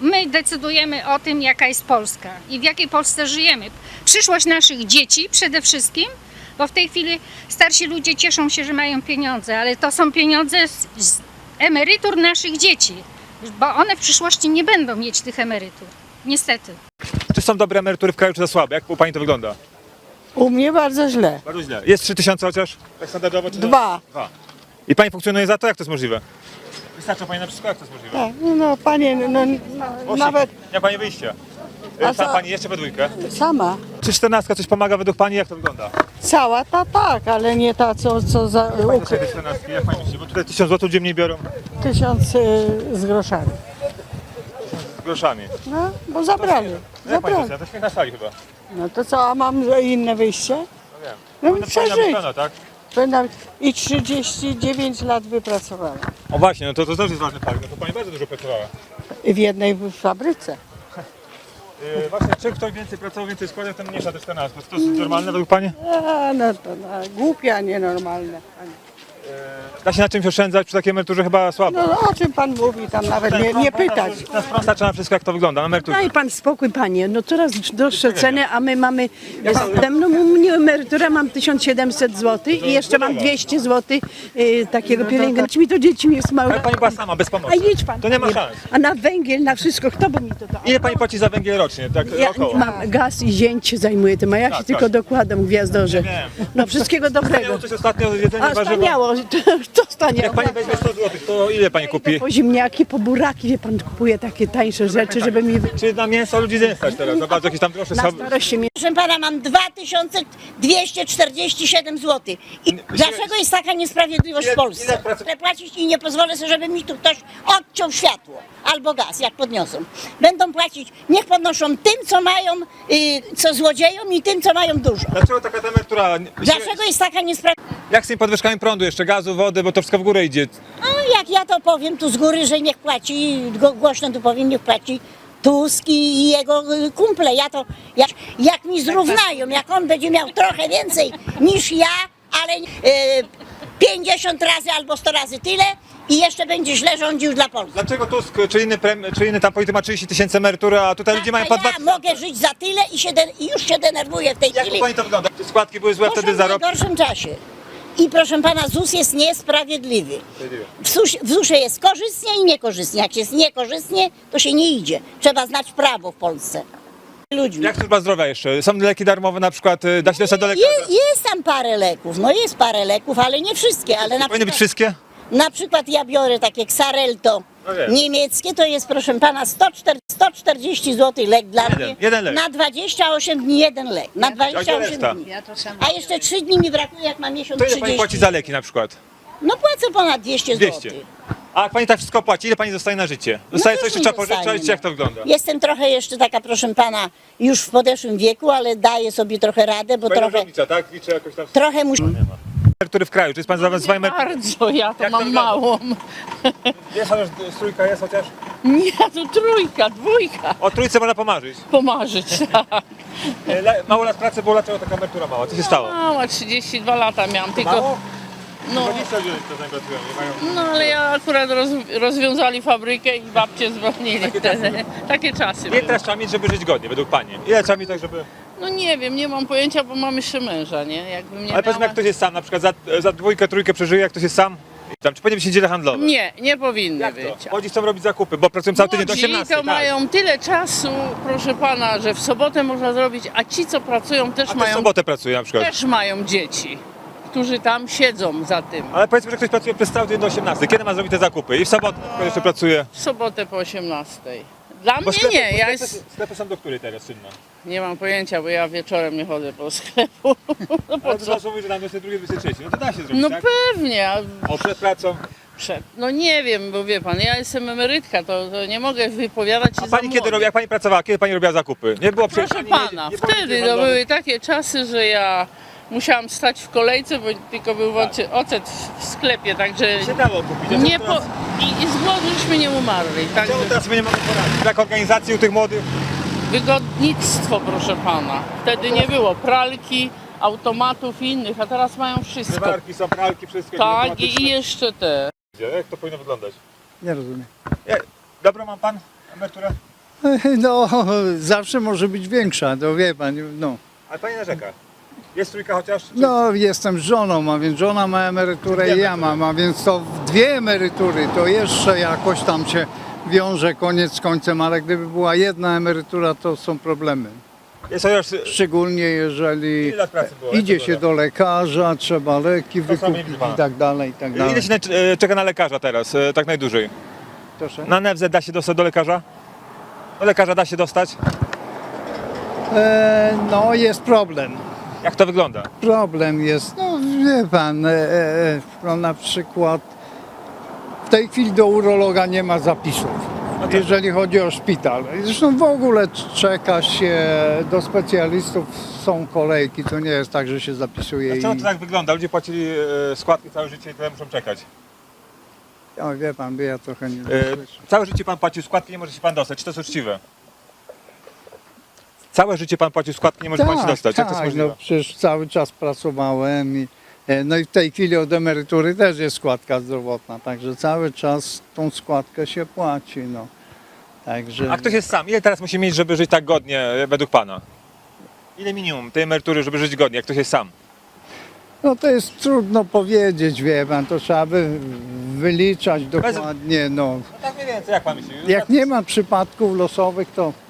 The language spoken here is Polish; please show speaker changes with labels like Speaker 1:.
Speaker 1: my decydujemy o tym, jaka jest Polska i w jakiej Polsce żyjemy. Przyszłość naszych dzieci przede wszystkim, bo w tej chwili starsi ludzie cieszą się, że mają pieniądze, ale to są pieniądze z emerytur naszych dzieci, bo one w przyszłości nie będą mieć tych emerytur. Niestety.
Speaker 2: Czy są dobre emerytury w kraju, czy za słabe? Jak u pani to wygląda?
Speaker 3: U mnie bardzo źle.
Speaker 2: Bardzo źle. Jest 3000 chociaż? Tak standardowo? Czy
Speaker 3: 2.
Speaker 2: Dwa. I pani funkcjonuje za to? Jak to jest możliwe? Wystarcza pani na wszystko? Jak to jest możliwe?
Speaker 3: Tak, no panie, nawet
Speaker 2: Nie ma pani wyjścia.
Speaker 3: A
Speaker 2: Sam
Speaker 3: co?
Speaker 2: pani jeszcze we dwójkę.
Speaker 3: sama.
Speaker 2: Czy 14 coś pomaga według pani? Jak to wygląda?
Speaker 3: Cała ta tak, ale nie ta, co za
Speaker 2: Pani do tej 14, jak pani myśli? Bo tutaj 1000 zł ludzie mniej biorą
Speaker 3: 1000 z groszami.
Speaker 2: z groszami.
Speaker 3: No, bo zabrali.
Speaker 2: No jak pani
Speaker 3: Zabrali.
Speaker 2: to śmiech na sali chyba.
Speaker 3: No to co, a mam inne wyjście?
Speaker 2: No wiem.
Speaker 3: No
Speaker 2: Powinna pani
Speaker 3: przeżyć.
Speaker 2: być pełna, tak?
Speaker 3: I 39 lat wypracowałam.
Speaker 2: O właśnie, no to też jest ważny fakt. No to pani bardzo dużo pracowała.
Speaker 3: W jednej fabryce.
Speaker 2: Właśnie, czy ktoś więcej pracował, więcej składał, ten mniejsza te 14. To jest normalne według pani?
Speaker 3: A, no to głupia, nienormalne.
Speaker 2: Da się na czymś oszczędzać przy takiej emeryturze chyba słabo.
Speaker 3: No o czym pan mówi, tam nawet nie pytać.
Speaker 2: Na sprąd starcza na wszystko, jak to wygląda, na emeryturze.
Speaker 4: Daj pan spokój, panie. No coraz droższe ceny, a my mamy. No, u mnie emerytura mam 1700 zł i jeszcze mam 200 zł takiego pielęgnacji. Mi to dzieci nie jest małe.
Speaker 2: Ale pani była sama, bez pomocy.
Speaker 4: A idź pan.
Speaker 2: To nie ma
Speaker 4: panie.
Speaker 2: szans.
Speaker 4: A na węgiel, na wszystko, kto by mi to dał?
Speaker 2: Ile pani płaci za węgiel rocznie? Tak
Speaker 4: Ja
Speaker 2: około.
Speaker 4: mam gaz i zięć się zajmuję tym, a ja się
Speaker 2: Tak,
Speaker 4: tylko
Speaker 2: tak.
Speaker 4: dokładam gwiazdorze.
Speaker 2: Wiem.
Speaker 4: No wszystkiego dobrego.
Speaker 2: Miało coś ostatnio jedzenie
Speaker 4: A
Speaker 2: warzywa.
Speaker 4: staniało, to staniało.
Speaker 2: Jak pani weźmie 100 zł, to ile pani kupi?
Speaker 4: Po ziemniaki, po buraki, wie pan, kupuje takie tańsze rzeczy, żeby mi
Speaker 2: Czy na mięso ludzi nie stać teraz? Za bardzo jakieś tam droższe
Speaker 4: na
Speaker 2: schaby.
Speaker 4: starość się
Speaker 5: Proszę pana, mam 2247 zł. I dlaczego jest taka niesprawiedliwość w Polsce?
Speaker 2: ile pracy-
Speaker 5: Chcę płacić i nie pozwolę sobie, żeby mi tu ktoś odciął światło albo gaz, jak podniosą. Będą płacić, niech podnoszą tym, co mają, co złodziejom i tym, co mają dużo.
Speaker 2: Dlaczego taka ta emerytura?
Speaker 5: Dlaczego jest taka niesprawiedliwość?
Speaker 2: Jak z tymi podwyżkami prądu jeszcze, gazu, wody, bo to wszystko w górę idzie.
Speaker 5: No jak ja to powiem tu z góry, że niech płaci, głośno tu powiem, niech płaci Tusk i jego kumple. Ja to, jak mi zrównają, jak on będzie miał trochę więcej niż ja, ale 50 razy albo 100 razy tyle i jeszcze będzie źle rządził dla Polski.
Speaker 2: Dlaczego Tusk czy inny tam polityk ma 30 000 emerytury, a tutaj ludzie mają po 2
Speaker 5: Ja mogę żyć za tyle i już się denerwuję w tej
Speaker 2: Jak u
Speaker 5: chwili.
Speaker 2: pani to wygląda? Te składki były złe,
Speaker 5: Proszę,
Speaker 2: wtedy
Speaker 5: w
Speaker 2: zarobki.
Speaker 5: najgorszym czasie. I proszę pana, ZUS jest niesprawiedliwy. W ZUS-ie jest korzystnie i niekorzystnie. Jak jest niekorzystnie, to się nie idzie. Trzeba znać prawo w Polsce. Ludźmi.
Speaker 2: Jak służba zdrowia jeszcze? Są leki darmowe na przykład, da się dostać do lekarza?
Speaker 5: Jest tam parę leków, no jest parę leków, ale nie wszystkie. Ale
Speaker 2: Powinny być wszystkie?
Speaker 5: na przykład ja biorę takie Xarelto
Speaker 2: No wiem.
Speaker 5: niemieckie, to jest proszę pana 140 zł lek dla mnie.
Speaker 2: jeden lek.
Speaker 5: Na 28 dni jeden lek. Na
Speaker 2: A gdzie
Speaker 5: 28
Speaker 2: reszta?
Speaker 5: dni. A jeszcze 3 dni mi brakuje, jak mam miesiąc
Speaker 2: To ile pani
Speaker 5: 30.
Speaker 2: płaci za leki na przykład?
Speaker 5: No płacę ponad 200 zł.
Speaker 2: 200. A jak pani tak wszystko płaci, ile pani zostaje na życie? Zostaje coś,
Speaker 5: już
Speaker 2: czy
Speaker 5: mi
Speaker 2: trzeba
Speaker 5: zostaje,
Speaker 2: pożyczać, jak to wygląda?
Speaker 5: Jestem trochę jeszcze taka, proszę pana, już w podeszłym wieku, ale daję sobie trochę radę, bo
Speaker 2: Pani
Speaker 5: trochę,
Speaker 2: urzędnica, tak? Liczę jakoś tam...
Speaker 5: trochę muszę.
Speaker 2: Emerytury w kraju, czy jest pan zadowolony z swoją emeryturą?
Speaker 6: Bardzo, ja to
Speaker 2: Jak to
Speaker 6: mam
Speaker 2: wygląda?
Speaker 6: małą.
Speaker 2: Jest chociaż trójka, jest chociaż?
Speaker 6: Nie, to trójka, dwójka.
Speaker 2: O trójce można pomarzyć.
Speaker 6: Pomarzyć, tak.
Speaker 2: Mało lat pracy było, dlaczego taka emerytura mała? Co się stało?
Speaker 6: Mała, 32 lata miałam, tylko...
Speaker 2: Mało?
Speaker 6: No,
Speaker 2: 20 ludzi to pracują, nie mają...
Speaker 6: no ale ja akurat rozwiązali fabrykę i babcie zwolnili
Speaker 2: Takie
Speaker 6: wtedy.
Speaker 2: czasy.
Speaker 6: Takie czasy
Speaker 2: Ile
Speaker 6: były.
Speaker 2: teraz trzeba mieć, żeby żyć godnie, według pani? Ile trzeba mieć tak, żeby...
Speaker 6: No nie wiem, nie mam pojęcia, bo mam jeszcze męża, nie? Jakbym nie
Speaker 2: Ale powiedzmy,
Speaker 6: miała...
Speaker 2: jak ktoś jest sam, na przykład za dwójkę, trójkę przeżyje, jak ktoś jest sam? Tam, czy powinny być niedziele handlowe?
Speaker 6: Nie, nie powinny
Speaker 2: Jak
Speaker 6: być.
Speaker 2: to? Młodzi chcą robić zakupy, bo pracują cały tydzień do
Speaker 6: Młodzi
Speaker 2: 18.
Speaker 6: to
Speaker 2: tak.
Speaker 6: mają tyle czasu, proszę pana, że w sobotę można zrobić, a ci, co pracują, też
Speaker 2: A ktoś w
Speaker 6: mają
Speaker 2: sobotę pracuje na przykład.
Speaker 6: też mają dzieci, którzy tam siedzą za tym.
Speaker 2: Ale powiedzmy, że ktoś pracuje przez cały tydzień do 18. Kiedy ma zrobić te zakupy? I w sobotę na przykład jeszcze pracuje.
Speaker 6: W sobotę po 18. Dla mnie
Speaker 2: sklepy,
Speaker 6: nie,
Speaker 2: bo
Speaker 6: ja
Speaker 2: sklepy,
Speaker 6: jest,
Speaker 2: sklepy są do której teraz czynne?
Speaker 6: nie mam pojęcia, bo ja wieczorem nie chodzę po sklepu. No po
Speaker 2: Ale
Speaker 6: co?
Speaker 2: to mówi, że tam 22, 23. No to da się zrobić,
Speaker 6: No
Speaker 2: tak?
Speaker 6: pewnie, a
Speaker 2: O, przed pracą.
Speaker 6: no nie wiem, bo wie pan, ja jestem emerytka, to nie mogę wypowiadać się
Speaker 2: A
Speaker 6: za
Speaker 2: pani kiedy
Speaker 6: młodych.
Speaker 2: robi, jak pani pracowała, kiedy pani robiła zakupy? Nie było przecież
Speaker 6: Proszę
Speaker 2: ani
Speaker 6: pana,
Speaker 2: nie było
Speaker 6: wtedy
Speaker 2: niedziel
Speaker 6: to
Speaker 2: handlowych.
Speaker 6: były takie czasy, że ja musiałam stać w kolejce, bo tylko był ocet w sklepie, także
Speaker 2: Się dało kupić.
Speaker 6: nie po... I z głodu żeśmy nie umarli. Także
Speaker 2: Czemu teraz sobie nie mogę poradzić? Brak organizacji u tych młodych?
Speaker 6: wygodnictwo, proszę pana. Wtedy nie było pralki, automatów i innych, a teraz mają wszystko.
Speaker 2: Zmywarki, są pralki, wszystko.
Speaker 6: Tak,
Speaker 2: automatyczne.
Speaker 6: i jeszcze te.
Speaker 2: Jak to powinno wyglądać?
Speaker 3: Nie rozumiem.
Speaker 2: Dobrą mam pan emeryturę?
Speaker 7: No, zawsze może być większa, to wie pan, no.
Speaker 2: Ale pani narzeka. Jest trójka chociaż? Czy...
Speaker 7: No, jestem z żoną, a więc żona ma emeryturę i ja mam, a więc to dwie emerytury, to jeszcze jakoś tam się wiąże koniec z końcem, ale gdyby była jedna emerytura, to są problemy.
Speaker 2: Jest chociaż...
Speaker 7: Szczególnie jeżeli
Speaker 2: Ile lat pracy było?
Speaker 7: idzie
Speaker 2: Jak to
Speaker 7: się do lekarza, trzeba leki
Speaker 2: To sami
Speaker 7: wykupić
Speaker 2: widzi pan.
Speaker 7: i tak dalej, i tak dalej.
Speaker 2: Ile się czeka na lekarza teraz, tak najdłużej?
Speaker 7: Proszę?
Speaker 2: Na NFZ da się dostać do lekarza? Do lekarza da się dostać?
Speaker 7: No, jest problem.
Speaker 2: Jak to wygląda?
Speaker 7: Problem jest, no wie pan, no na przykład w tej chwili do urologa nie ma zapisów, jeżeli chodzi o szpital. Zresztą w ogóle czeka się do specjalistów, są kolejki, to nie jest tak, że się zapisuje
Speaker 2: Dlaczego
Speaker 7: i...
Speaker 2: to tak wygląda? Ludzie płacili składki całe życie i tyle muszą czekać.
Speaker 7: O, wie pan, by ja trochę nie słyszę.
Speaker 2: Całe życie pan płacił składki, nie może się pan dostać. Czy to jest uczciwe? Całe życie pan płacił składki, nie może pan się dostać. Jak to jest
Speaker 7: Tak,
Speaker 2: możliwe?
Speaker 7: no przecież cały czas pracowałem i no i w tej chwili od emerytury też jest składka zdrowotna, także cały czas tą składkę się płaci, no. Także...
Speaker 2: A ktoś jest sam. Ile teraz musi mieć, żeby żyć tak godnie według pana? Ile minimum tej emerytury, żeby żyć godnie, jak ktoś jest sam?
Speaker 7: No to jest trudno powiedzieć, wie pan, to trzeba by wyliczać dokładnie, no.
Speaker 2: No tak mniej więcej, jak pan myśli?
Speaker 7: Jak nie ma przypadków losowych, to